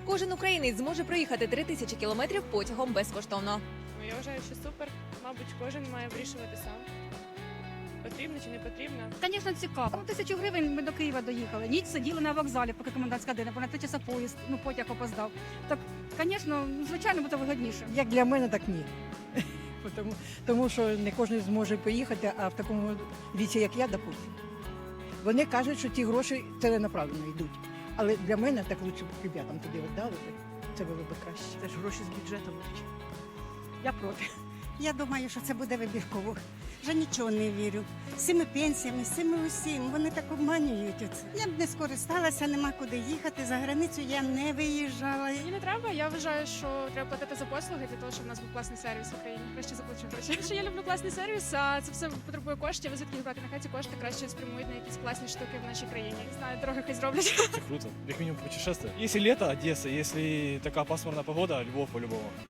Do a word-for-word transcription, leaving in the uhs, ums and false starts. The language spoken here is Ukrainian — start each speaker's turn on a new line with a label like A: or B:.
A: Кожен українець зможе проїхати три тисячі кілометрів потягом безкоштовно.
B: Ну, я вважаю, що супер. Мабуть, кожен має вирішувати сам. Потрібно чи не потрібно.
C: Звісно, цікаво. Ну, тисячу гривень ми до Києва доїхали. Ніч сиділи на вокзалі, поки комендантська година, бо на три часа поїзд, ну потяг опоздав. Так, звісно, звичайно, буде вигідніше.
D: Як для мене, так ні. Тому, тому що не кожен зможе поїхати, а в такому віці, як я, допустим. Вони кажуть, що ті гроші ціленаправленно йдуть. Але для мене так лучше б ребятам туди віддали би. Це було б краще.
E: Це ж гроші з бюджету будуть.
D: Я проти.
F: Я думаю, що це буде вибірково. Вже нічого не вірю. З цими пенсіями, з цими усім, вони так обманюють. Оце. Я б не скористалася, нема куди їхати. За границю я не виїжджала.
B: Мені не треба. Я вважаю, що треба платити за послуги для того, щоб у нас був класний сервіс в Україні. Краще заплачу гроші. Що я люблю класний сервіс, а це все потребує коштів. Ви звідки брати? Нехай ці кошти краще спрямують на якісь класні штуки в нашій країні. Не знаю, дороги хай зроблять.
G: Это круто. Как минимум путешествие. Если лето, Одесса. Если такая пасмурная погода, Львов по-любому.